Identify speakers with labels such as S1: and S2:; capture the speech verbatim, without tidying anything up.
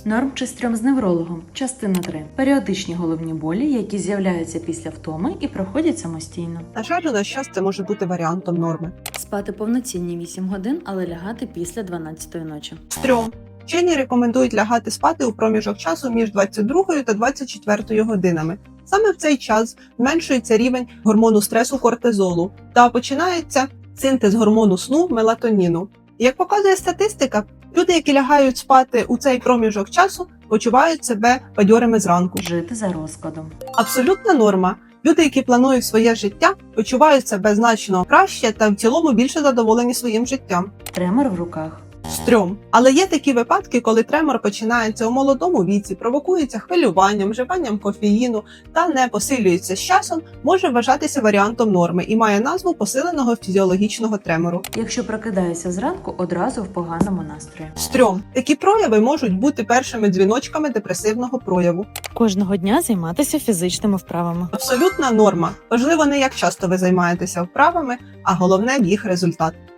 S1: Норм чи стрьом з неврологом. Частина три. Періодичні головні болі, які з'являються після втоми і проходять самостійно.
S2: На жаль, у наш час це може бути варіантом норми.
S1: Спати повноцінні вісім годин, але лягати після дванадцятої ночі.
S2: Стрьом. Вчені рекомендують лягати спати у проміжок часу між двадцять другою та двадцять четвертою годинами. Саме в цей час зменшується рівень гормону стресу кортизолу та починається синтез гормону сну мелатоніну. Як показує статистика, люди, які лягають спати у цей проміжок часу, почувають себе бадьорими зранку.
S1: Жити за розкладом.
S2: Абсолютна норма. Люди, які планують своє життя, почувають себе значно краще та в цілому більше задоволені своїм життям.
S1: Тремор в руках.
S2: Стрьом. Але є такі випадки, коли тремор починається у молодому віці, провокується хвилюванням, вживанням кофеїну та не посилюється з часом, може вважатися варіантом норми і має назву посиленого фізіологічного тремору.
S1: Якщо прокидаєшся зранку, одразу в поганому настрої.
S2: Стрьом. Такі прояви можуть бути першими дзвіночками депресивного прояву.
S1: Кожного дня займатися фізичними вправами.
S2: Абсолютна норма. Важливо не як часто ви займаєтеся вправами, а головне їх результат.